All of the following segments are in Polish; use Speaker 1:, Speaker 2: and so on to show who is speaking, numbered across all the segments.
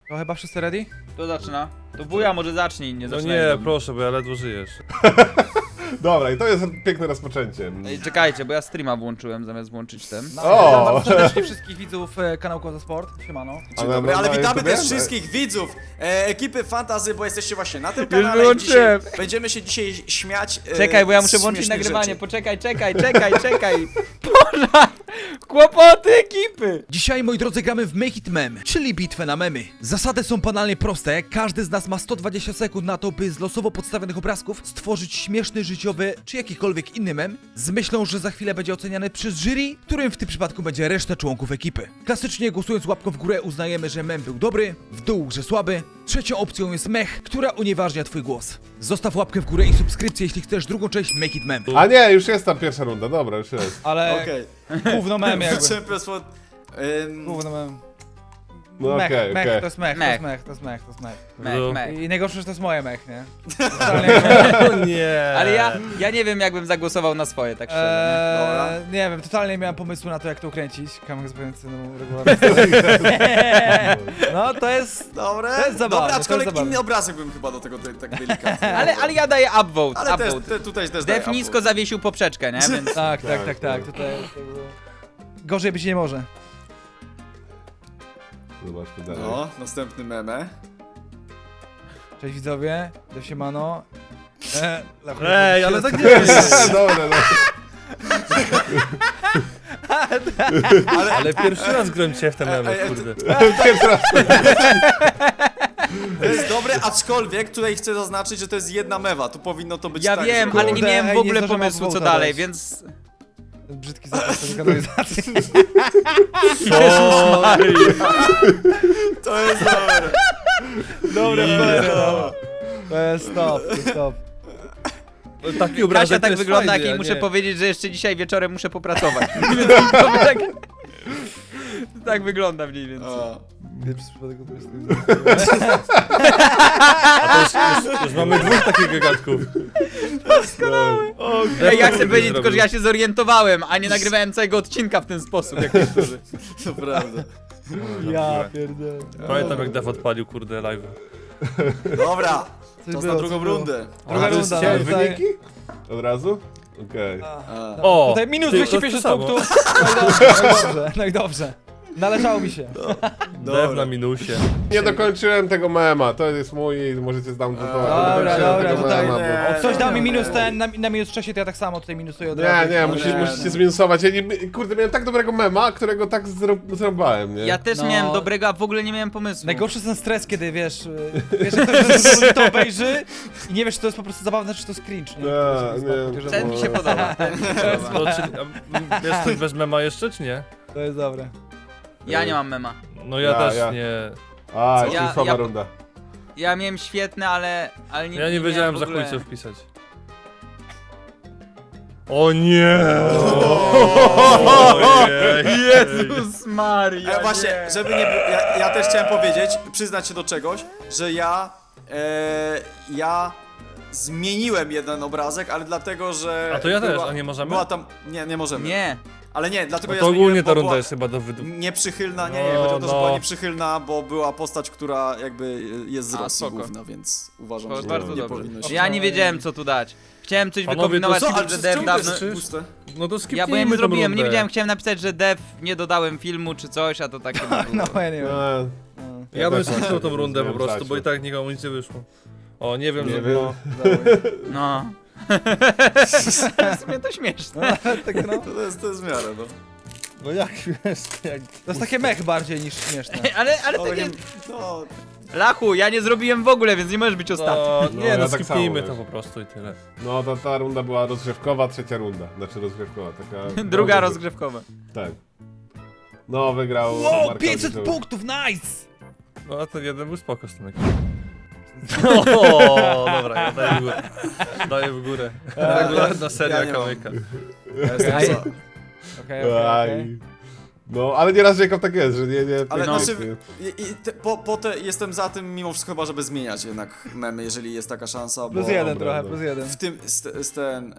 Speaker 1: To chyba wszyscy ready?
Speaker 2: To zaczyna. To wuja może zacznij, nie
Speaker 3: No
Speaker 2: zaczynaj.
Speaker 3: nie, proszę, bo ja ledwo żyjesz.
Speaker 4: Dobra, i to jest piękne rozpoczęcie.
Speaker 2: Ej, czekajcie, bo ja streama włączyłem zamiast włączyć ten.
Speaker 4: O!
Speaker 1: Witam serdecznie wszystkich widzów kanału Koza Sport. Siemano.
Speaker 4: Ale
Speaker 5: Dobry, ale
Speaker 4: na
Speaker 5: witamy
Speaker 4: YouTubie?
Speaker 5: też wszystkich widzów ekipy Fantasy, bo jesteście właśnie na tym
Speaker 2: Już
Speaker 5: kanale.
Speaker 2: wyłączyłem.
Speaker 5: Będziemy się dzisiaj śmiać.
Speaker 2: Czekaj, bo ja muszę
Speaker 5: z
Speaker 2: włączyć
Speaker 5: śmiesznych
Speaker 2: nagrywanie.
Speaker 5: rzeczy.
Speaker 2: Poczekaj, czekaj. Pożar! Kłopoty ekipy!
Speaker 1: Dzisiaj, moi drodzy, gramy w Make It Meme, czyli bitwę na memy. Zasady są banalnie proste. Każdy z nas ma 120 sekund na to, by z losowo podstawionych obrazków stworzyć śmieszny, życiowy czy jakikolwiek inny mem, z myślą, że za chwilę będzie oceniany przez jury, którym w tym przypadku będzie reszta członków ekipy. Klasycznie głosując łapką w górę uznajemy, że mem był dobry, w dół, że słaby. Trzecią opcją jest mech, która unieważnia twój głos. Zostaw łapkę w górę i subskrypcję, jeśli chcesz drugą część Make It Meme.
Speaker 4: A nie, już jest tam pierwsza runda, dobra, już jest.
Speaker 1: Ale
Speaker 5: Okej.
Speaker 1: gówno mem jakby.
Speaker 5: Champions for...
Speaker 1: Gówno mem.
Speaker 4: No
Speaker 1: Mech,
Speaker 4: okej,
Speaker 1: mech,
Speaker 4: okej.
Speaker 1: to jest mech, to jest mech, to jest mech, to jest mech.
Speaker 2: Mech, mech.
Speaker 1: I najgorsze, że to jest moje mech, nie?
Speaker 3: O nie.
Speaker 2: Ale ja nie wiem, jakbym zagłosował na swoje, tak szczerze.
Speaker 1: Nie wiem, totalnie nie miałem pomysłu na to, jak to ukręcić. Kamek zupełnie regularnie. No, to jest...
Speaker 5: Dobre.
Speaker 1: To jest zabawne,
Speaker 5: Dobra,
Speaker 1: to jest
Speaker 5: aczkolwiek
Speaker 1: zabawne.
Speaker 5: inny obrazek bym chyba do tego tak delikatnie.
Speaker 2: Nie? Ale ja daję upvote,
Speaker 5: Ale też,
Speaker 2: upvote.
Speaker 5: tutaj też
Speaker 2: Def
Speaker 5: daję
Speaker 2: nisko
Speaker 5: upvote.
Speaker 2: zawiesił poprzeczkę, nie? Więc...
Speaker 1: Tak,
Speaker 4: Tak,
Speaker 1: tak. Tutaj jest... Gorzej być nie może.
Speaker 4: Zobaczmy dalej.
Speaker 5: No, następny meme.
Speaker 1: Cześć widzowie, do siemano.
Speaker 3: Ej, ale tak nie jest.
Speaker 4: Dobra, dobra.
Speaker 3: Ale pierwszy raz gram cię w te memy, kurde.
Speaker 4: Pierwszy raz.
Speaker 5: To jest dobre, aczkolwiek tutaj chcę zaznaczyć, że to jest jedna mewa. Tu powinno to być
Speaker 2: Ja
Speaker 5: tak,
Speaker 2: wiem,
Speaker 5: że...
Speaker 2: ale nie
Speaker 1: Kurde,
Speaker 2: miałem w
Speaker 1: ej, nie
Speaker 2: ogóle
Speaker 1: zdążyłem
Speaker 2: pomysłu, co
Speaker 1: upvote'a
Speaker 2: dalej,
Speaker 1: dać.
Speaker 2: więc...
Speaker 1: Brzydki zapis do kanalizacji.
Speaker 5: To jest dobre.
Speaker 1: Dobra, to jest stop, to jest stop.
Speaker 3: Taki obrazek
Speaker 2: Kasia
Speaker 3: to
Speaker 2: tak
Speaker 3: jest
Speaker 2: wygląda,
Speaker 3: fajny,
Speaker 2: jak
Speaker 3: a
Speaker 2: jej muszę
Speaker 3: nie.
Speaker 2: powiedzieć, że jeszcze dzisiaj wieczorem muszę popracować. Więc to tak... Tak wygląda mniej więcej.
Speaker 5: O.
Speaker 1: Pierwszy przypadek to jest...
Speaker 3: A to już mamy dwóch takich gagatków.
Speaker 2: Ej, ja chcę powiedzieć tylko, że ja się zorientowałem, a nie nagrywałem całego odcinka w ten sposób, jak niektórzy.
Speaker 5: To prawda.
Speaker 1: Ja pierdolę.
Speaker 3: Pamiętam jak Def odpalił, kurde, live.
Speaker 5: Dobra,
Speaker 1: Coś
Speaker 5: to
Speaker 1: było,
Speaker 5: na
Speaker 1: coś
Speaker 5: drugą
Speaker 1: było.
Speaker 5: rundę.
Speaker 1: Druga
Speaker 4: A, to
Speaker 1: runda,
Speaker 4: jest
Speaker 1: no, tutaj-
Speaker 4: wyniki? Od razu? Okej.
Speaker 5: A.
Speaker 3: O!
Speaker 1: Tutaj minus
Speaker 3: ty, to
Speaker 1: 250
Speaker 3: samo.
Speaker 1: punktów. No i dobrze. Należało mi się.
Speaker 3: Def na minusie.
Speaker 4: Nie dokończyłem tego mema, to jest mój i możecie zdamtować.
Speaker 1: Dobra, dobra, tutaj
Speaker 5: nie.
Speaker 1: Ktoś dał mi minus
Speaker 5: Nie.
Speaker 1: ten, na minus 3, to ja tak samo tutaj minusuję od
Speaker 4: Nie,
Speaker 1: razu.
Speaker 4: nie,
Speaker 5: No nie,
Speaker 4: musicie
Speaker 5: no.
Speaker 4: zminusować. Ja nie, kurde, miałem tak dobrego mema, którego tak zrobiłem, nie?
Speaker 2: Ja też
Speaker 1: No.
Speaker 2: miałem dobrego, a w ogóle nie miałem pomysłu.
Speaker 1: Najgorszy jest ten stres, kiedy wiesz, że ktoś to obejrzy i nie wiesz, czy to jest po prostu zabawne, czy to jest cringe, nie?
Speaker 4: Nie.
Speaker 2: Ten mi się podoba. Ten mi się podoba.
Speaker 3: To, czy, jest coś bez mema jeszcze, czy nie?
Speaker 1: To jest dobre.
Speaker 2: Ja nie mam mema.
Speaker 3: No ja
Speaker 4: Ja,
Speaker 3: też
Speaker 4: ja.
Speaker 3: nie.
Speaker 4: A,
Speaker 2: Ja-
Speaker 4: już słaba
Speaker 2: ja-
Speaker 4: runda.
Speaker 2: Ja miałem świetne, ale nie.
Speaker 3: Ja nie wiedziałem
Speaker 2: miałem
Speaker 3: za
Speaker 2: w ogóle...
Speaker 3: chuj co wpisać. O nie!
Speaker 2: Jezus Maria.
Speaker 5: Właśnie, żeby nie było, ja też chciałem powiedzieć, przyznać się do czegoś, że ja zmieniłem jeden obrazek, ale dlatego, że...
Speaker 3: A to ja też, a nie możemy?
Speaker 5: Była tam, nie możemy.
Speaker 2: Nie.
Speaker 5: Ale nie, dlatego
Speaker 3: No
Speaker 5: ja
Speaker 3: to
Speaker 5: zmieniłem,
Speaker 3: ogólnie ta
Speaker 5: bo
Speaker 3: runda
Speaker 5: była
Speaker 3: jest chyba do wydu...
Speaker 5: nieprzychylna, nie,
Speaker 3: No,
Speaker 5: chodzi o to, że
Speaker 3: no.
Speaker 5: była nieprzychylna, bo była postać, która jakby jest z
Speaker 2: A,
Speaker 5: Rosji
Speaker 2: spoko.
Speaker 5: główna, więc uważam,
Speaker 2: To
Speaker 5: że
Speaker 2: bardzo
Speaker 5: nie
Speaker 2: dobrze.
Speaker 5: powinno się...
Speaker 2: Ja nie wiedziałem, co tu dać. Chciałem coś
Speaker 3: Panowie,
Speaker 2: wykombinować,
Speaker 3: to co?
Speaker 5: Ale
Speaker 2: że
Speaker 5: czemu
Speaker 2: Dev
Speaker 5: to
Speaker 2: dawno...
Speaker 5: jest puste?
Speaker 3: No to
Speaker 2: Ja bo ja
Speaker 3: skipnijmy
Speaker 2: nie
Speaker 3: tą
Speaker 2: zrobiłem,
Speaker 3: rundę.
Speaker 2: nie wiedziałem, chciałem napisać, że Dev nie dodałem filmu czy coś, a to takie było.
Speaker 1: No ja nie wiem.
Speaker 3: Ja bym
Speaker 4: tak
Speaker 3: skipnął tą rundę po
Speaker 4: wiem,
Speaker 3: prostu,
Speaker 4: Zasiu.
Speaker 3: bo i tak nikomu nic nie wyszło. O, nie wiem,
Speaker 4: Nie
Speaker 3: że
Speaker 4: wiem.
Speaker 3: no.
Speaker 2: No. W sumie to śmieszne.
Speaker 1: Tak, no.
Speaker 5: To jest w miarę, no.
Speaker 3: No jak śmiesznie, jak...
Speaker 1: To jest takie mech bardziej niż śmieszne.
Speaker 2: Ale
Speaker 5: Ale
Speaker 2: takie...
Speaker 5: no,
Speaker 2: Lachu, ja nie zrobiłem w ogóle, więc nie możesz być ostatni.
Speaker 3: No,
Speaker 4: No,
Speaker 3: nie,
Speaker 4: ja
Speaker 3: no
Speaker 4: tak
Speaker 3: skipnijmy
Speaker 4: samo,
Speaker 3: to po prostu i tyle.
Speaker 4: No, ta runda była rozgrzewkowa, trzecia runda. Znaczy rozgrzewkowa, taka...
Speaker 2: Druga rozgrzewkowa.
Speaker 4: Tak. No, wygrał
Speaker 1: Wow,
Speaker 4: Marko
Speaker 1: 500
Speaker 4: Ojciec.
Speaker 1: punktów, nice!
Speaker 3: No a ten jeden był spoko z tym jakiś. O, dobra, ja daję w górę. Daję w górę. Regularna seria
Speaker 5: ja nie mam.
Speaker 3: kamyka.
Speaker 5: ja jestem
Speaker 1: Aj.
Speaker 5: za.
Speaker 1: Okej.
Speaker 4: Aj. No, ale nieraz Jacob tak jest, że nie...
Speaker 5: Ale
Speaker 4: no.
Speaker 5: znaczy, jestem za tym mimo wszystko chyba, żeby zmieniać jednak memy, jeżeli jest taka szansa, bo
Speaker 1: Plus jeden
Speaker 4: dobra,
Speaker 1: trochę,
Speaker 4: no.
Speaker 1: plus jeden.
Speaker 5: w tym, z ten,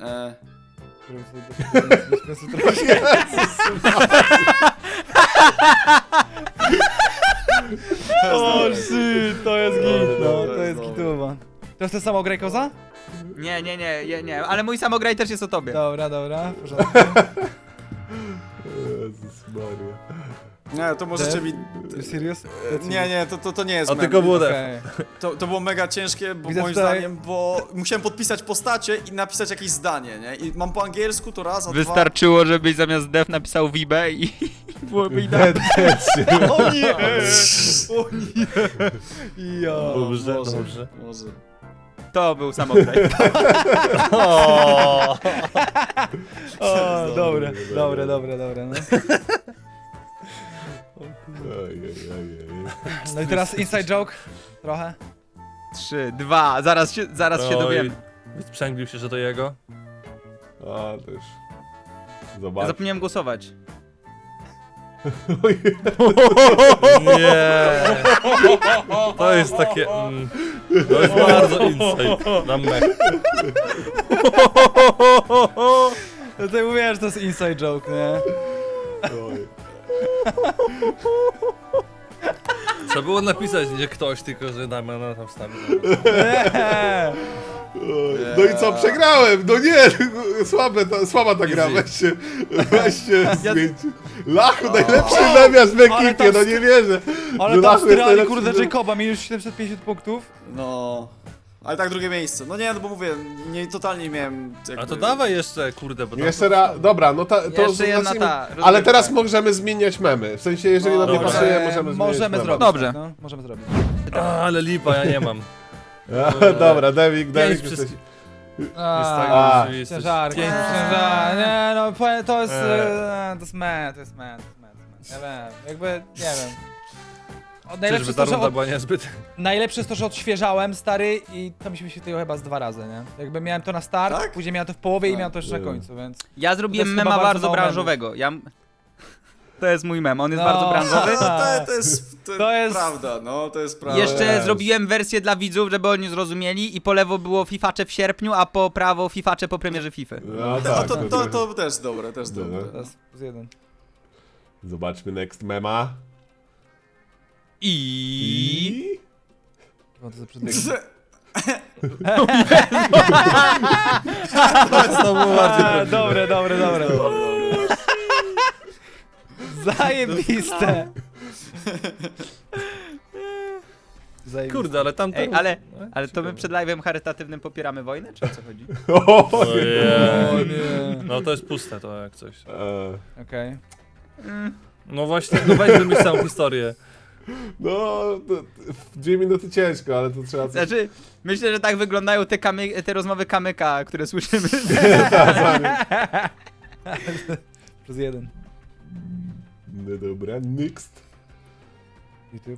Speaker 1: O, jest git, no,
Speaker 5: To
Speaker 1: to
Speaker 5: jest
Speaker 1: jest
Speaker 5: dobre.
Speaker 1: gituwa. To jest ten samo graj koza?
Speaker 2: Nie, ale mój samograj też jest o tobie.
Speaker 1: Dobra, w porządku.
Speaker 4: Jezus Maria.
Speaker 5: Nie, to możecie mi...
Speaker 1: You serious?
Speaker 5: Nie, to nie jest
Speaker 3: A
Speaker 5: mem.
Speaker 3: tylko było def.
Speaker 1: Okej.
Speaker 5: To było mega ciężkie, bo
Speaker 1: Widzę
Speaker 5: moim
Speaker 1: tutaj-
Speaker 5: zdaniem, bo musiałem podpisać postacie i napisać jakieś zdanie, nie? I mam po angielsku to raz, a
Speaker 2: Wystarczyło, żebyś zamiast def napisał Vibe i byłoby idealnie.
Speaker 1: O nie! O nie! Ja.
Speaker 3: Dobrze,
Speaker 5: może,
Speaker 3: dobrze.
Speaker 5: Może.
Speaker 2: To był samograj.
Speaker 3: O,
Speaker 1: O, dobre, no.
Speaker 4: Ojej.
Speaker 1: No i teraz inside joke. Trochę.
Speaker 2: 3, 2, zaraz się dowiemy.
Speaker 3: Wysprzęglił się, że to jego.
Speaker 4: A, też.
Speaker 2: Ja
Speaker 4: Zobacz.
Speaker 2: zapomniałem głosować.
Speaker 3: Nie. To jest takie... to jest bardzo insight na mech.
Speaker 1: No to mówię, że to jest inside joke, nie?
Speaker 4: Oj.
Speaker 3: Trzeba było napisać, nie ktoś, tylko że Damiana tam wstawił.
Speaker 1: Nie.
Speaker 4: Oj. No i co, przegrałem! No nie! Słaba ta gra,
Speaker 3: Easy.
Speaker 4: weźcie zmieńcie. Lachu, najlepszy memiarz w
Speaker 1: Ale
Speaker 4: ekipie,
Speaker 1: tam
Speaker 4: no nie wierzę.
Speaker 1: Ale
Speaker 4: Że
Speaker 1: tam
Speaker 4: Lachu jest
Speaker 1: strali,
Speaker 4: najlepszy
Speaker 1: kurde,
Speaker 4: mem-
Speaker 1: Jacoba, mieli już 750 punktów.
Speaker 5: No. Ale tak drugie miejsce. No nie, no bo mówię, totalnie miałem...
Speaker 3: A to dawaj jeszcze, kurde, bo tam...
Speaker 4: Jeszcze raz, dobra, no to
Speaker 2: Jeszcze jedna
Speaker 4: zacznijmy.
Speaker 2: ta,
Speaker 4: Ale
Speaker 2: rozgrywka.
Speaker 4: teraz możemy zmieniać memy. W sensie, jeżeli nam nie
Speaker 3: dobra.
Speaker 4: pasuje, możemy zmieniać
Speaker 1: Możemy
Speaker 4: memy.
Speaker 1: zrobić.
Speaker 2: Dobrze.
Speaker 1: tak, no, możemy zrobić.
Speaker 3: Ale lipa, ja nie mam.
Speaker 4: Dobra, Devik,
Speaker 3: Pięć
Speaker 4: jesteś...
Speaker 3: tak,
Speaker 4: A,
Speaker 3: oczywistość.
Speaker 1: Ciężarki,
Speaker 3: Pięć.
Speaker 1: nie no, to jest...
Speaker 3: Eee.
Speaker 1: To jest man. Ja wiem, jakby, nie wiem.
Speaker 3: Czyżby
Speaker 1: Najlepsze jest
Speaker 3: ta
Speaker 1: to, że
Speaker 3: runda była niezbyt...
Speaker 1: najlepsze jest to, że odświeżałem, stary, i to mi się wyświetliło chyba z 2 razy, nie? Jakby miałem to na start,
Speaker 5: Tak?
Speaker 1: później miałem to w połowie i
Speaker 5: Tak.
Speaker 1: miałem to jeszcze na
Speaker 4: Nie.
Speaker 1: końcu, więc...
Speaker 2: Ja zrobiłem
Speaker 1: To jest
Speaker 2: mema
Speaker 1: chyba bardzo
Speaker 2: bardzo
Speaker 1: mało
Speaker 2: branżowego. To jest mój mem, on jest
Speaker 1: No.
Speaker 2: bardzo branżowy.
Speaker 5: No, to
Speaker 1: To jest-
Speaker 5: jest prawda, no to jest prawda.
Speaker 2: Jeszcze
Speaker 4: Yes.
Speaker 2: zrobiłem wersję dla widzów, żeby oni zrozumieli i po lewo było fifacze w sierpniu, a po prawo fifacze po premierze Fify.
Speaker 4: No
Speaker 5: A
Speaker 4: tak,
Speaker 5: to też dobre, też
Speaker 4: Dobra.
Speaker 5: dobre.
Speaker 1: To jest plus 1.
Speaker 4: Zobaczmy next mema.
Speaker 2: I...
Speaker 1: Chyba to za przedmiot.
Speaker 3: To było bardziej...
Speaker 1: Dobre. Zajebiste. Zajebiste.
Speaker 3: Kurde, ale tam...
Speaker 2: Ej, ale to my przed live'em charytatywnym popieramy wojnę, czy o co chodzi?
Speaker 3: Ojej.
Speaker 1: nie.
Speaker 3: No to jest puste to jak coś.
Speaker 1: Okej.
Speaker 3: No właśnie, no weź wymyśl całą historię.
Speaker 4: No, to, w 2 minuty ciężko, ale to trzeba coś...
Speaker 2: Znaczy, myślę, że tak wyglądają te rozmowy kamyka, które słyszymy.
Speaker 1: Plus 1.
Speaker 4: No dobra, next.
Speaker 1: YouTube.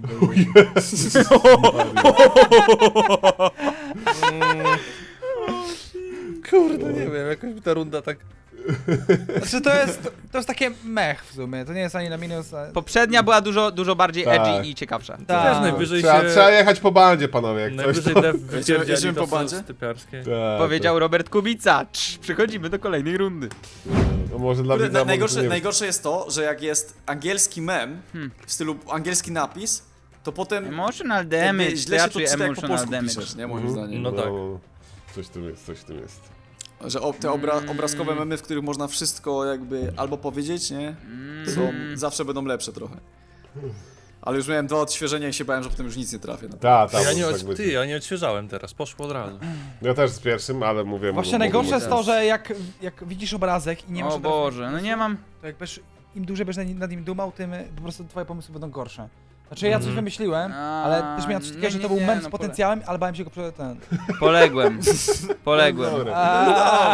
Speaker 3: Kurde, nie wiem, jakoś mi ta runda tak...
Speaker 1: Znaczy to jest takie mech w sumie, to nie jest ani na minus, a...
Speaker 2: Poprzednia była dużo bardziej
Speaker 4: Tak.
Speaker 2: edgy i ciekawsza.
Speaker 1: Tak.
Speaker 3: Też najwyżej
Speaker 4: Trzeba
Speaker 3: się...
Speaker 4: jechać po bandzie, panowie, jak coś
Speaker 3: Najwyżej
Speaker 4: to...
Speaker 3: def
Speaker 5: Jedziemy
Speaker 3: wypierdzieli
Speaker 5: po
Speaker 3: to
Speaker 5: bandzie?
Speaker 3: są typiarskie.
Speaker 4: Tak,
Speaker 2: Powiedział Robert Kubica. Przechodzimy do kolejnej rundy.
Speaker 4: to może dla
Speaker 5: Kurde,
Speaker 4: widza
Speaker 5: najgorsze jest to, że jak jest angielski mem, w stylu angielski napis, to potem
Speaker 2: Emotional
Speaker 5: jakby
Speaker 2: damage,
Speaker 5: źle się to
Speaker 2: raczej
Speaker 5: czyta, jak po
Speaker 2: emotional
Speaker 5: polsku
Speaker 2: damage.
Speaker 5: piszesz, nie? Moim zdaniem.
Speaker 3: No tak.
Speaker 4: Coś w tym jest.
Speaker 5: Że te obrazkowe memy, w których można wszystko jakby albo powiedzieć, nie? Zawsze będą lepsze trochę. Ale już miałem 2 odświeżenia i się bałem, że potem już nic nie trafię. No.
Speaker 3: Ja nie odświeżałem teraz, poszło od razu.
Speaker 4: Ja też z pierwszym, ale mówię...
Speaker 1: Właśnie najgorsze jest to, że jak widzisz obrazek i nie masz
Speaker 2: O
Speaker 1: od razu-
Speaker 2: Boże, no nie mam...
Speaker 1: to jak będziesz, im dłużej będziesz nad nim dumał, tym po prostu twoje pomysły będą gorsze. Znaczy ja coś wymyśliłem, ale też miałem coś takiego, że to był mem z potencjałem, ale bałem się go przed ten...
Speaker 2: Poległem.
Speaker 4: Dobra.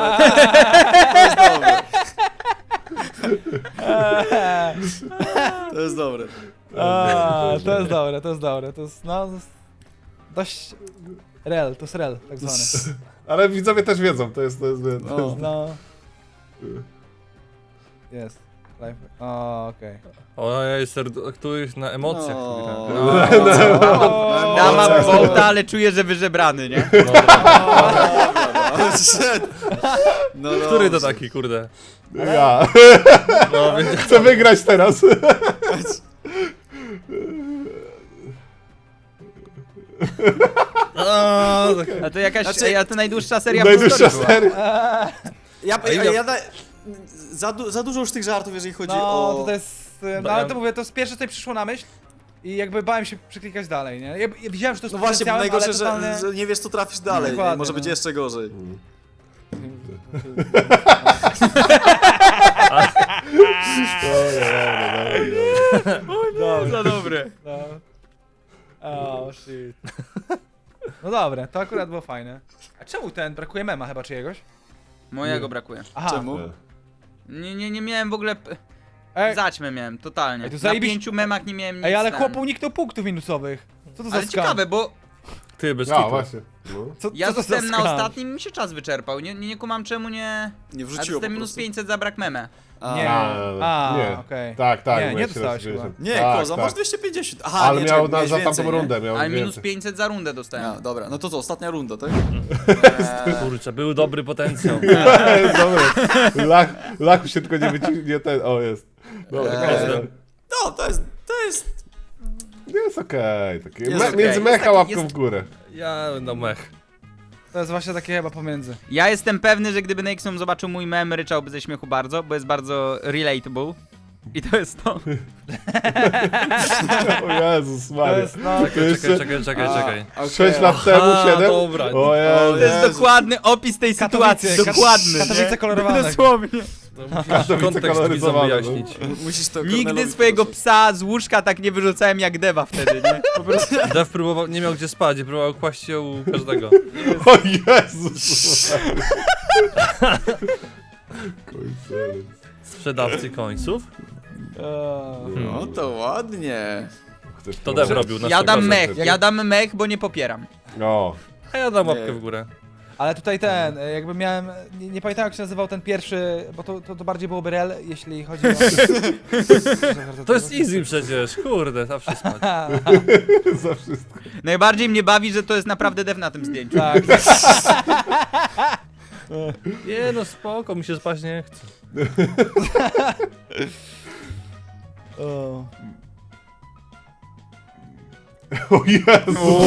Speaker 5: To jest dobre.
Speaker 1: To jest dobre, to jest, no, to jest dość... to jest rel, tak zwany.
Speaker 4: Ale widzowie też wiedzą, to jest
Speaker 1: No. Jest. Live. O, okej.
Speaker 3: Ojej, któryś na emocjach.
Speaker 2: Ja mam wołta, ale czuję, że wyżebrany, nie?
Speaker 5: No
Speaker 3: Który to
Speaker 5: dobrze.
Speaker 3: taki, kurde?
Speaker 4: Ja.
Speaker 3: No, więc...
Speaker 4: Chcę wygrać teraz.
Speaker 2: A to jakaś,
Speaker 5: Znaczy-
Speaker 2: a to najdłuższa seria w
Speaker 4: Najdłuższa
Speaker 2: historii była.
Speaker 4: seria.
Speaker 5: Za dużo już tych żartów, jeżeli chodzi
Speaker 1: No,
Speaker 5: o...
Speaker 1: to jest... No ale to mówię, to z pierwsze co mi przyszło na myśl i jakby bałem się przeklikać dalej, nie? Ja widziałem, że to jest
Speaker 5: No właśnie, bo
Speaker 1: potencjałem,
Speaker 5: najgorsze,
Speaker 1: ale totalnie...
Speaker 5: że nie wiesz, co trafisz dalej.
Speaker 1: Dokładnie,
Speaker 5: Może być
Speaker 1: no.
Speaker 5: jeszcze gorzej.
Speaker 2: Za dobre.
Speaker 1: No. Oh, shit. No dobra, to akurat było fajne. A czemu brakuje mema chyba czyjegoś?
Speaker 2: Mojego brakuje.
Speaker 1: Aha.
Speaker 5: Czemu?
Speaker 2: Nie miałem w ogóle...
Speaker 1: Ej,
Speaker 2: Zaćmę miałem, totalnie.
Speaker 1: Ej, to
Speaker 2: Na
Speaker 1: zajebiście-
Speaker 2: 5 memach nie miałem nic.
Speaker 1: ej, ale
Speaker 2: ten.
Speaker 1: chłop uniknął punktów minusowych. Co to za
Speaker 2: Ale
Speaker 1: skam?
Speaker 2: ciekawe, bo
Speaker 3: Ty, bez
Speaker 4: No
Speaker 3: kitu.
Speaker 4: właśnie. No.
Speaker 2: ja
Speaker 1: co to za
Speaker 2: zostałem na
Speaker 1: skam?
Speaker 2: ostatnim i mi się czas wyczerpał. Nie kumam czemu nie...
Speaker 5: Nie
Speaker 2: A
Speaker 5: wrzuciło
Speaker 2: dostałem
Speaker 5: po
Speaker 2: minus
Speaker 5: prostu.
Speaker 2: 500 za brak meme.
Speaker 1: Nie.
Speaker 4: Nie.
Speaker 1: okej.
Speaker 4: Tak, tak.
Speaker 1: Nie,
Speaker 4: bo
Speaker 1: nie
Speaker 4: ja się
Speaker 1: dostałeś
Speaker 4: rozwijałem.
Speaker 1: chyba.
Speaker 5: Nie,
Speaker 4: Tak,
Speaker 5: Koza,
Speaker 4: tak.
Speaker 5: masz 250. Aha,
Speaker 4: Ale
Speaker 5: nie,
Speaker 4: miał
Speaker 5: czekaj, miałeś
Speaker 4: za
Speaker 5: więcej,
Speaker 4: tamtą
Speaker 5: nie?
Speaker 4: rundę, miał
Speaker 2: Ale minus
Speaker 4: więcej.
Speaker 2: 500 za rundę dostałem.
Speaker 5: A, dobra, no to co, ostatnia runda, tak?
Speaker 3: Kurczę, był dobry potencjał.
Speaker 4: Dobry. Lachu się tylko nie wyciągnie ten. O, jest. Dobra,
Speaker 5: No, to jest...
Speaker 4: jest okej. Takie.
Speaker 5: Jest okej.
Speaker 4: Między
Speaker 2: Jest
Speaker 4: mecha
Speaker 2: taki-
Speaker 4: łapką
Speaker 2: jest-
Speaker 4: w górę.
Speaker 3: Ja no mech.
Speaker 1: To jest właśnie takie chyba pomiędzy.
Speaker 2: Ja jestem pewny, że gdyby Nexum zobaczył mój mem, ryczałby ze śmiechu bardzo, bo jest bardzo relatable. I to jest to.
Speaker 4: O Jezus Maria.
Speaker 1: no...
Speaker 4: To jeszcze
Speaker 3: Czekaj.
Speaker 4: 6 lat temu,
Speaker 3: Aha,
Speaker 4: 7?
Speaker 3: dobra.
Speaker 4: O
Speaker 5: O,
Speaker 4: Jezu.
Speaker 2: To jest dokładny opis tej sytuacji, dokładny.
Speaker 1: Katowice kolorowane.
Speaker 2: Dosłownie.
Speaker 4: Katowice
Speaker 3: Kontekst widzom
Speaker 4: koloryzowane,
Speaker 3: wyjaśnić.
Speaker 5: Musisz to
Speaker 2: Nigdy
Speaker 5: Kornelowi
Speaker 2: swojego
Speaker 5: powiedzieć.
Speaker 2: psa z łóżka tak nie wyrzucałem jak Deva wtedy, nie? Po prostu.
Speaker 3: Dev próbował, nie miał gdzie spać i próbował kłaść się u każdego.
Speaker 4: O Jezus. Końcowy.
Speaker 3: Sprzedawcy końców.
Speaker 5: No to ładnie.
Speaker 4: Chcesz
Speaker 3: To Dev
Speaker 4: próbować?
Speaker 3: robił na
Speaker 2: Ja dam
Speaker 3: przykład.
Speaker 2: mech, ja dam mech, bo nie popieram.
Speaker 4: O.
Speaker 3: A ja dam łapkę w górę.
Speaker 1: Ale tutaj jakby miałem, nie pamiętam jak się nazywał ten pierwszy, bo to bardziej byłoby rel, jeśli chodzi o...
Speaker 3: To jest easy przecież, kurde, zawsze spać.
Speaker 4: Za wszystko.
Speaker 2: Najbardziej mnie bawi, że to jest naprawdę Dev na tym zdjęciu.
Speaker 1: Tak,
Speaker 3: Nie no spoko, mi się spać nie chce.
Speaker 1: o.
Speaker 4: O Jezu.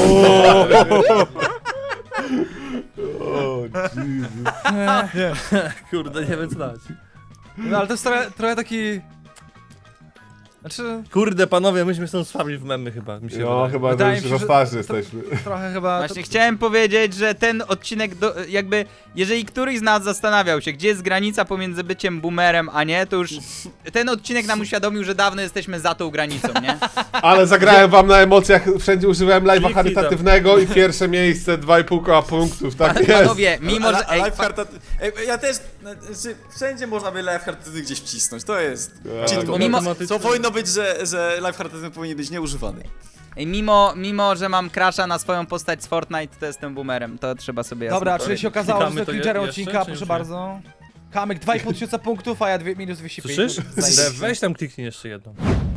Speaker 4: O Jezus.
Speaker 3: Kurde, nie wiem co dać.
Speaker 1: No ale to jest trochę taki... Znaczy,
Speaker 3: Kurde panowie, myśmy są słabi w memy chyba, mi się
Speaker 4: No
Speaker 3: wydaje.
Speaker 4: chyba
Speaker 1: Wydaje
Speaker 4: już
Speaker 1: mi się,
Speaker 4: za
Speaker 1: że
Speaker 4: starzy jesteśmy.
Speaker 1: trochę chyba...
Speaker 2: Właśnie chciałem powiedzieć, że ten odcinek, jakby, jeżeli któryś z nas zastanawiał się, gdzie jest granica pomiędzy byciem boomerem, a nie, to już ten odcinek nam uświadomił, że dawno jesteśmy za tą granicą, nie?
Speaker 4: Ale zagrałem wam na emocjach, wszędzie używałem live'a
Speaker 3: Kliki
Speaker 4: charytatywnego i pierwsze miejsce 2,5 koła punktów, tak jest.
Speaker 2: Panowie, mimo że... Ej,
Speaker 5: Life ja też, znaczy, wszędzie można by life charytatywny gdzieś wcisnąć, to jest
Speaker 4: Tak.
Speaker 5: cheat code.
Speaker 2: Mimo-
Speaker 5: Co powinno być, że life charytatywny powinien być nieużywany.
Speaker 2: Ej, mimo, że mam crasha na swoją postać z Fortnite, to jestem boomerem, to trzeba sobie jasno
Speaker 1: Dobra, czyli
Speaker 2: powiedzieć.
Speaker 1: się okazało, że
Speaker 3: Klikamy
Speaker 1: to
Speaker 3: to
Speaker 1: Twitterem
Speaker 3: jeszcze,
Speaker 1: odcinka,
Speaker 3: czy
Speaker 1: proszę
Speaker 3: już nie?
Speaker 1: bardzo. Kamek 2500 punktów, a ja minus 205.
Speaker 3: Słyszysz?
Speaker 1: Zajebiście.
Speaker 3: Dev, weź tam kliknij jeszcze jedną.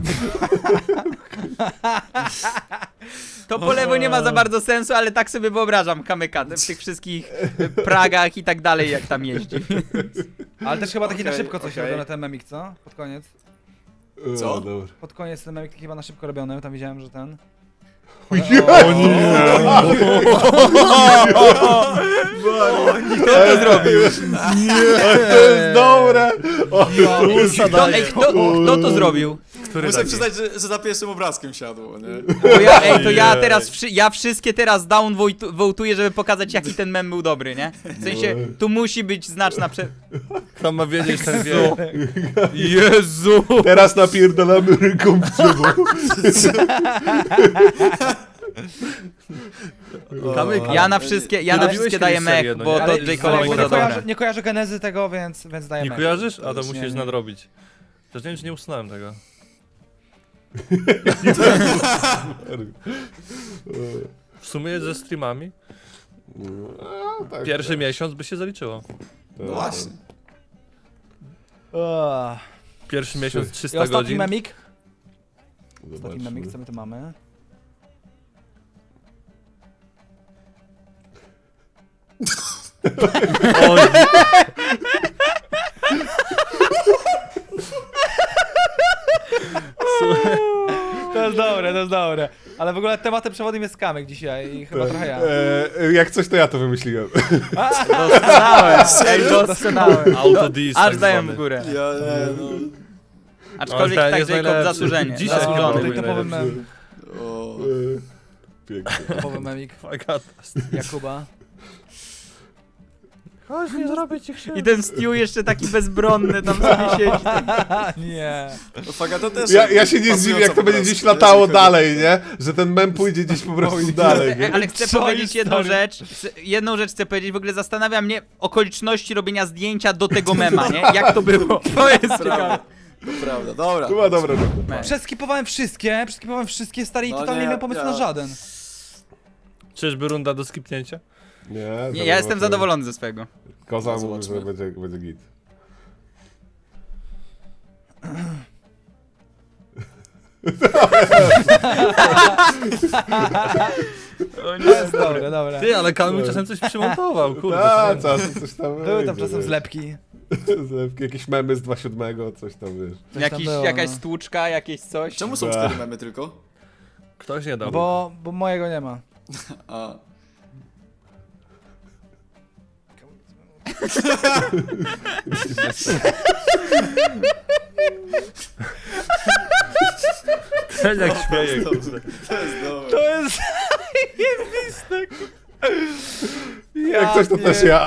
Speaker 2: To po lewo nie ma za bardzo sensu, ale tak sobie wyobrażam kamyka w tych wszystkich Pragach i tak dalej, jak tam jeździ.
Speaker 1: Ale też chyba taki na
Speaker 5: Okej,
Speaker 1: szybko coś
Speaker 5: okej.
Speaker 1: robią na ten memik, co? Pod koniec.
Speaker 5: Co?
Speaker 4: Dobra.
Speaker 1: Pod koniec ten memik taki chyba na szybko robiony, tam widziałem, że ten...
Speaker 4: O nie!
Speaker 2: Kto to zrobił?
Speaker 4: To jest dobre! O,
Speaker 2: Kto to zrobił?
Speaker 3: Który
Speaker 5: Muszę
Speaker 3: taki?
Speaker 5: przyznać, że za pierwszym obrazkiem siadło, nie?
Speaker 2: Bo ja teraz, ja wszystkie teraz down wołtuję, żeby pokazać, jaki ten mem był dobry, nie? W sensie, tu musi być znaczna
Speaker 3: Kto ma wiedzieć, ten wie. Jezu!
Speaker 4: teraz napierdalamy ręką w drzewo.
Speaker 3: Kamyk,
Speaker 2: Ja na wszystkie
Speaker 3: robiłeś
Speaker 2: daję
Speaker 3: kiedyś
Speaker 2: mech,
Speaker 3: serię, no
Speaker 2: bo
Speaker 3: nie?
Speaker 2: to
Speaker 1: Ale
Speaker 2: Jake'owi
Speaker 1: bo
Speaker 2: było
Speaker 1: nie,
Speaker 2: dobre.
Speaker 1: nie kojarzę genezy tego, więc daję
Speaker 3: nie
Speaker 1: mech.
Speaker 3: kojarzysz? A to
Speaker 1: Nie,
Speaker 3: musisz
Speaker 1: nie.
Speaker 3: nadrobić. Też nie wiem, czy nie usunąłem tego. W sumie ze streamami
Speaker 4: No, tak,
Speaker 3: pierwszy miesiąc by się zaliczyło.
Speaker 5: No właśnie.
Speaker 3: Pierwszy miesiąc
Speaker 1: I
Speaker 3: 300
Speaker 1: ostatni
Speaker 3: godzin.
Speaker 1: memik. Ostatni
Speaker 4: Zobaczmy.
Speaker 1: memik, co my tu mamy?
Speaker 3: Oj,
Speaker 1: To jest dobre, to jest dobre. Ale w ogóle tematem przewodnim jest Kamek dzisiaj i chyba trochę ja.
Speaker 4: Jak coś, to ja to wymyśliłem.
Speaker 2: Doskonałe. Ej, doskonałe.
Speaker 3: Autodis.
Speaker 2: Aż
Speaker 3: tak
Speaker 2: daję
Speaker 3: zwany.
Speaker 2: w górę.
Speaker 5: Ja nie, no.
Speaker 2: Aczkolwiek
Speaker 3: Ale ten
Speaker 2: tak,
Speaker 3: jest
Speaker 2: Jacob,
Speaker 3: najlepszy.
Speaker 2: zasłużenie.
Speaker 3: Dzisiaj
Speaker 2: Zasłużony.
Speaker 3: był
Speaker 1: Tutaj topowy mem,
Speaker 5: O.
Speaker 4: Pięknie.
Speaker 1: topowy memik
Speaker 3: Fagata.
Speaker 1: Jakuba.
Speaker 3: Chodź, nie zrobię ci krzywdy.
Speaker 2: I ten Stu jeszcze taki bezbronny tam sobie siedzi.
Speaker 1: Nie.
Speaker 5: No Fagata też.
Speaker 4: Ja się nie zdziwię, jak to
Speaker 5: po
Speaker 4: będzie
Speaker 5: prostu,
Speaker 4: gdzieś
Speaker 5: nie?
Speaker 4: latało
Speaker 5: Jeśli chodzi-
Speaker 4: dalej, nie? Że ten mem pójdzie gdzieś po prostu dalej, nie?
Speaker 2: Ale chcę
Speaker 1: Co
Speaker 2: powiedzieć
Speaker 1: jest
Speaker 2: jedną
Speaker 1: stary?
Speaker 2: rzecz. Jedną rzecz chcę powiedzieć. W ogóle zastanawia mnie okoliczności robienia zdjęcia do tego mema, nie? Jak to było? To jest ciekawe.
Speaker 5: Prawda. To prawda, dobra.
Speaker 4: Chyba dobra.
Speaker 1: Przeskipowałem wszystkie stary i
Speaker 5: No
Speaker 1: totalnie
Speaker 5: nie,
Speaker 1: nie miałem pomysłu na
Speaker 5: ja-
Speaker 1: żaden.
Speaker 3: Czyżby runda do skipnięcia?
Speaker 2: Nie, ja jestem zadowolony ze swego.
Speaker 4: Koza
Speaker 5: No,
Speaker 4: mówi, że
Speaker 5: zobaczmy.
Speaker 4: będzie git.
Speaker 2: O nie.
Speaker 1: To jest dobre, dobra.
Speaker 3: Ty, ale Kamil czasem coś przymontował, kurde.
Speaker 4: Tak,
Speaker 3: to nie-
Speaker 4: czasem coś tam
Speaker 1: Były tam
Speaker 4: wyjdzie,
Speaker 1: czasem
Speaker 4: wiesz.
Speaker 1: zlepki.
Speaker 4: Zlepki, jakieś memy z 2.7, coś tam, wiesz.
Speaker 1: Coś tam było,
Speaker 2: Jakaś
Speaker 1: no.
Speaker 2: stłuczka, jakieś coś.
Speaker 5: Czemu są
Speaker 4: Ba.
Speaker 5: 4 memy tylko?
Speaker 3: Ktoś nie dał.
Speaker 1: Bo mojego nie ma.
Speaker 5: A.
Speaker 3: Ten jak śmieje, kurde.
Speaker 5: To jest dobre.
Speaker 1: To jest zajebiste.
Speaker 4: Jak coś, to też ja.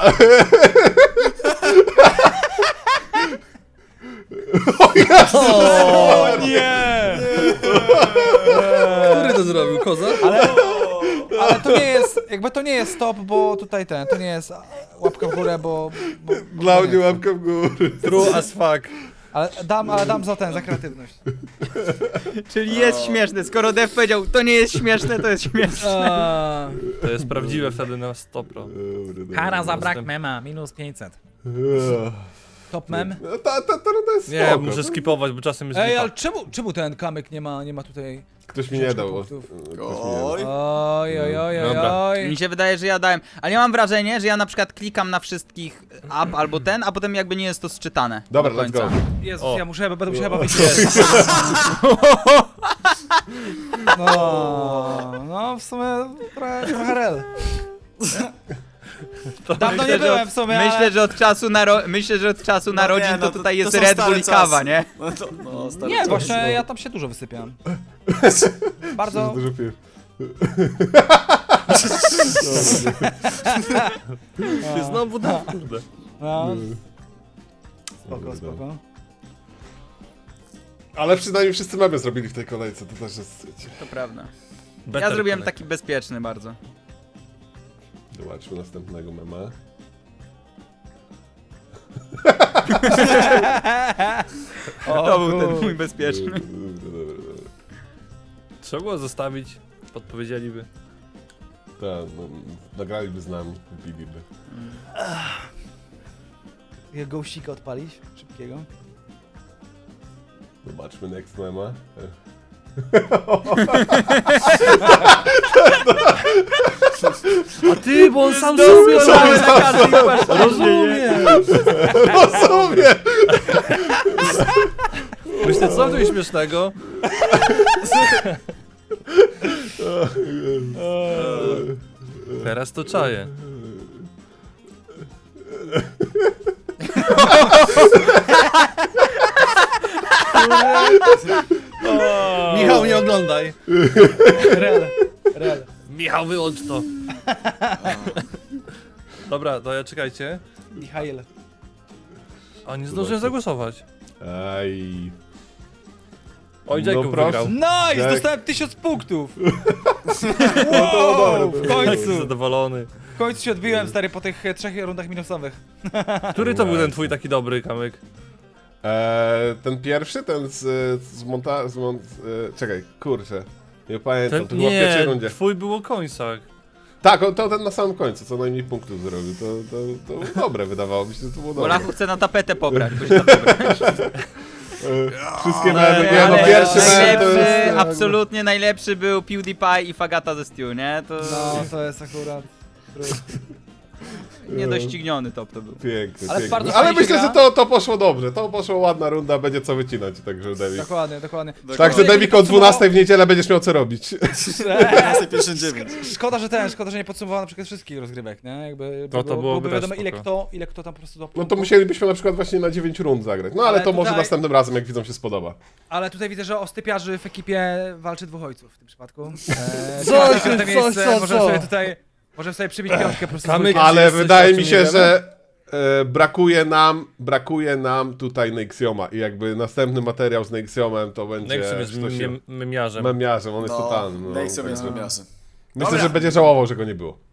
Speaker 1: O nie!
Speaker 3: Który to zrobił? Koza?
Speaker 1: Ale to nie jest, jakby to nie jest stop, bo tutaj to nie jest łapka w górę, bo
Speaker 4: Dla
Speaker 1: nie.
Speaker 4: mnie łapka w górę.
Speaker 3: True as fuck.
Speaker 1: Ale dam za kreatywność.
Speaker 2: Czyli jest śmieszne. Skoro Dev powiedział, to nie jest śmieszne, to jest śmieszne.
Speaker 3: To jest prawdziwe wtedy na 100%.
Speaker 1: Kara za brak
Speaker 3: Następ-
Speaker 1: mema, minus 500. Top mem?
Speaker 4: No, ta runda jest
Speaker 3: Nie,
Speaker 4: spoko.
Speaker 3: muszę skipować, bo czasem jest
Speaker 1: Ej,
Speaker 3: lipa.
Speaker 1: ale czemu ten kamyk nie ma tutaj...
Speaker 4: Ktoś mi nie dał.
Speaker 1: punktów.
Speaker 4: Ktoś mi nie dał.
Speaker 5: Oj.
Speaker 1: Oj, oj, oj, oj,
Speaker 3: Dobra.
Speaker 1: oj.
Speaker 2: Mi się wydaje, że ja dałem. Ale ja mam wrażenie, że ja na przykład klikam na wszystkich up albo ten, a potem jakby nie jest to sczytane.
Speaker 4: Dobra,
Speaker 2: do
Speaker 4: let's
Speaker 2: końca.
Speaker 4: go.
Speaker 1: Jezus,
Speaker 3: O.
Speaker 1: ja będę musiał chyba wyjść. No, w sumie trochę rel. Dawno nie byłem w sumie,
Speaker 2: Myślę,
Speaker 1: ale...
Speaker 2: że od czasu narodzin
Speaker 5: nie,
Speaker 2: to
Speaker 5: no
Speaker 2: tutaj jest
Speaker 5: są
Speaker 2: Red
Speaker 5: stare
Speaker 2: Bull i kawa,
Speaker 5: czasy.
Speaker 2: nie?
Speaker 5: No, to, no, stary
Speaker 1: Nie,
Speaker 5: czas,
Speaker 1: właśnie
Speaker 5: no.
Speaker 1: ja tam się dużo wysypiałem. Bardzo...
Speaker 4: Dużo piw.
Speaker 3: Ty znowu dał, kurde.
Speaker 1: No,
Speaker 4: Dobra,
Speaker 1: spoko.
Speaker 4: Ale przynajmniej wszyscy memy zrobili w tej kolejce, to też jest...
Speaker 2: To prawda.
Speaker 3: Better
Speaker 2: Ja zrobiłem
Speaker 3: connect.
Speaker 2: taki bezpieczny bardzo.
Speaker 4: Zobaczmy następnego mema.
Speaker 2: To był ten mój bezpieczny.
Speaker 4: Dobra.
Speaker 3: Trzeba było zostawić, podpowiedzieliby.
Speaker 4: Tak, no, nagraliby z nami, wypiliby.
Speaker 1: Gołsika odpalić? Szybkiego.
Speaker 4: Zobaczmy next mema.
Speaker 3: A ty, bo on sam
Speaker 2: Doskonale na każdej płaszczyźnie.
Speaker 3: Rozumiem.
Speaker 4: Rozumiem!
Speaker 3: Myślę, co tu jest śmiesznego? Teraz to czaję. Michał, nie oglądaj.
Speaker 1: Rel.
Speaker 3: Michał, wyłącz to. Dobra, to ja czekajcie.
Speaker 1: Michael.
Speaker 3: A nie zdążyłem zagłosować.
Speaker 4: Aj.
Speaker 3: Oj,
Speaker 4: No
Speaker 3: Jacob
Speaker 4: proszę.
Speaker 3: wygrał.
Speaker 1: Nice!
Speaker 4: Tak.
Speaker 1: Dostałem 1000 punktów!
Speaker 4: było
Speaker 1: Wow,
Speaker 4: dobre,
Speaker 1: w
Speaker 4: to
Speaker 1: końcu!
Speaker 3: Zadowolony.
Speaker 1: W końcu się odbiłem, stary, po tych 3 rundach minusowych.
Speaker 3: Który to był ten twój taki dobry kamyk?
Speaker 4: Ten pierwszy, ten czekaj, kurczę. Nie pamiętam, to
Speaker 3: Ten,
Speaker 4: było w pierwszej
Speaker 3: nie,
Speaker 4: rundzie.
Speaker 3: twój był o końcach.
Speaker 4: Tak, to ten na samym końcu, co najmniej punktów zrobił. To dobre wydawało mi się, że to było
Speaker 2: Bo
Speaker 4: dobre.
Speaker 2: Lachu chce na tapetę pobrać. Bo się tapetę.
Speaker 4: Wszystkie
Speaker 3: Ale-
Speaker 4: memy, nie, no
Speaker 3: ale-
Speaker 4: pierwszy mem to
Speaker 2: najlepszy,
Speaker 4: jest...
Speaker 2: absolutnie najlepszy był PewDiePie i Fagata ze Stew, nie? To...
Speaker 1: No, to jest akurat...
Speaker 2: Niedościgniony top to był.
Speaker 4: Piękny,
Speaker 1: Ale
Speaker 4: piękny.
Speaker 1: bardzo
Speaker 4: Ale
Speaker 1: fajnie się
Speaker 4: myślę, że
Speaker 1: gra.
Speaker 4: to poszło dobrze. To poszło ładna runda, będzie co wycinać, także Devik.
Speaker 1: Dokładnie, dokładnie.
Speaker 4: Także Devik o 12 w niedzielę będziesz miał co robić.
Speaker 5: 15:59.
Speaker 1: Szkoda, że nie podsumowano na przykład wszystkich rozgrywek, nie? Jakby
Speaker 3: To byłoby
Speaker 1: wiadomo
Speaker 3: też
Speaker 1: ile kto tam po prostu
Speaker 4: No to musielibyśmy na przykład właśnie na 9 rund zagrać. No ale
Speaker 1: Ale
Speaker 4: to może
Speaker 1: tutaj-
Speaker 4: następnym razem, jak widzom się spodoba.
Speaker 1: Ale tutaj widzę, że o stypiarzy w ekipie walczy dwóch ojców w tym przypadku.
Speaker 3: Co,
Speaker 1: czwarte
Speaker 3: co,
Speaker 1: miejsce,
Speaker 3: co,
Speaker 1: możemy
Speaker 3: co?
Speaker 1: sobie tutaj... Możemy sobie przybić piątkę po prostu.
Speaker 3: Kamyk-
Speaker 1: z
Speaker 4: Ale
Speaker 3: jesteś,
Speaker 4: wydaje
Speaker 3: o czym
Speaker 4: mi
Speaker 3: nie
Speaker 4: się,
Speaker 3: wiemy?
Speaker 4: że brakuje nam tutaj Nexioma i jakby następny materiał z Nexiomem to będzie...
Speaker 3: Nexium jest
Speaker 4: coś-
Speaker 3: memiarzem.
Speaker 4: memiarzem, on jest totalny. No,
Speaker 5: Nexium jest
Speaker 4: także
Speaker 5: miasem.
Speaker 4: Myślę, że będzie żałował, że go nie było.